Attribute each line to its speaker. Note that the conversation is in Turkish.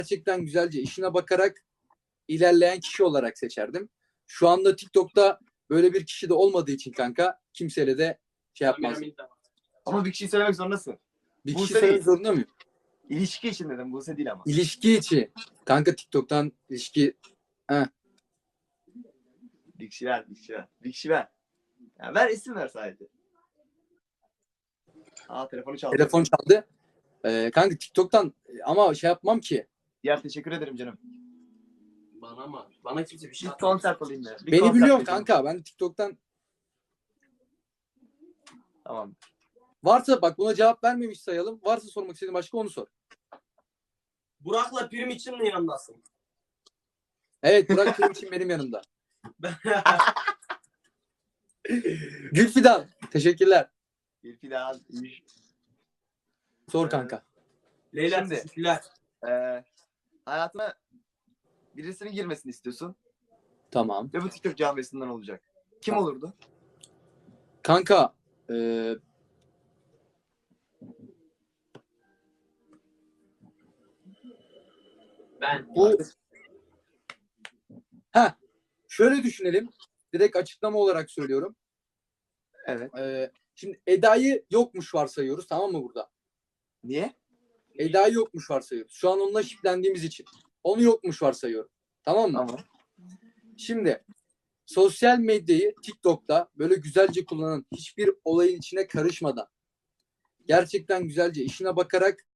Speaker 1: gerçekten güzelce işine bakarak ilerleyen kişi olarak seçerdim. Şu anda TikTok'ta böyle bir kişi de olmadığı için kanka kimseyle de şey yapmaz.
Speaker 2: Ama bir kişiyi söylemek zorundasın.
Speaker 1: Bir
Speaker 2: Buse
Speaker 1: kişi söylemek
Speaker 2: değil.
Speaker 1: zorunda mıyım?
Speaker 2: İlişki için dedim. Buse değil ama.
Speaker 1: İlişki içi. Kanka TikTok'tan ilişki... Heh.
Speaker 2: Bir kişi ver. Bir kişi ver. Ya ver, isim ver sadece. Telefonu çaldı.
Speaker 1: Telefon çaldı. Kanka TikTok'tan ama şey yapmam ki.
Speaker 2: Diğer teşekkür ederim canım.
Speaker 3: Bana kimse bir şey
Speaker 2: Bir
Speaker 3: atmaz.
Speaker 2: konser alayım ya. Bir
Speaker 1: Beni
Speaker 2: konser
Speaker 1: biliyorsun
Speaker 2: yapayım.
Speaker 1: kanka. Ben TikTok'tan
Speaker 2: Tamam.
Speaker 1: varsa bak buna cevap vermemiş sayalım. Varsa sormak istediğin başka onu sor.
Speaker 3: Burak'la Prim için mi yanındasın?
Speaker 1: Evet Burak benim için benim yanımda. Gülfidan. Teşekkürler.
Speaker 2: Bir fidan.
Speaker 1: Sor kanka.
Speaker 3: Leyla
Speaker 2: Şimdi-
Speaker 3: teşekkürler.
Speaker 2: Hayatına birisinin girmesini istiyorsun.
Speaker 1: Tamam.
Speaker 2: Ve bu TikTok camiasından olacak. Kim
Speaker 1: Tamam.
Speaker 2: olurdu?
Speaker 1: Kanka
Speaker 3: Ben.
Speaker 1: bu şöyle düşünelim. Direkt açıklama olarak söylüyorum.
Speaker 2: Evet.
Speaker 1: Şimdi Eda'yı yokmuş varsayıyoruz, tamam mı burada?
Speaker 2: Niye?
Speaker 1: Eda'yı yokmuş varsayıyoruz. Şu an onunla şiplendiğimiz için. Onu yokmuş varsayıyorum. Tamam mı?
Speaker 2: Tamam.
Speaker 1: Şimdi sosyal medyayı TikTok'ta böyle güzelce kullanan, hiçbir olayın içine karışmadan, gerçekten güzelce işine bakarak